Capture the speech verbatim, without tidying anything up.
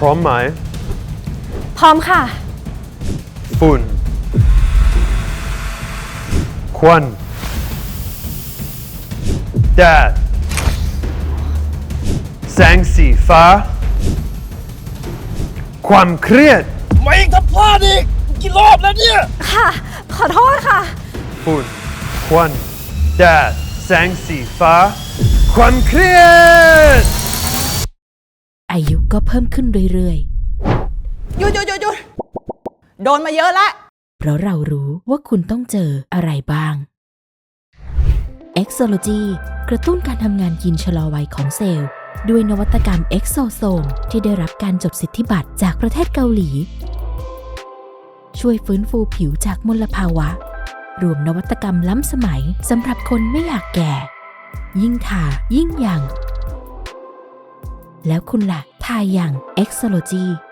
ร้อมไหมพร้อมค่ะฝุ่นควันแดดแสงสีฟ้า ความเครียดไม่ถ้าพลาดอีกกี่รอบแล้วเนี่ยค่ะ ขอโทษค่ะฝุ่นควันแดดแสงสีฟ้า ความเครียดอายุก็เพิ่มขึ้นเรื่อยหยุดหยุดหยุดหยุดโดนมาเยอะแล้วๆ เพราะเรารู้ว่าคุณต้องเจออะไรบ้าง Exology กระตุ้นการทำงานยีนชะลอวัยของเซลล์ ด้วยนวัตกรรม Exosome ที่ได้รับการจดสิทธิบัตรจากประเทศเกาหลี ช่วยฟื้นฟูผิวจากมลภาวะ รวมนวัตกรรมล้ำสมัยสำหรับคนไม่อยากแก่ ยิ่งทายิ่งยัง แล้วคุณล่ะทาอย่าง Exology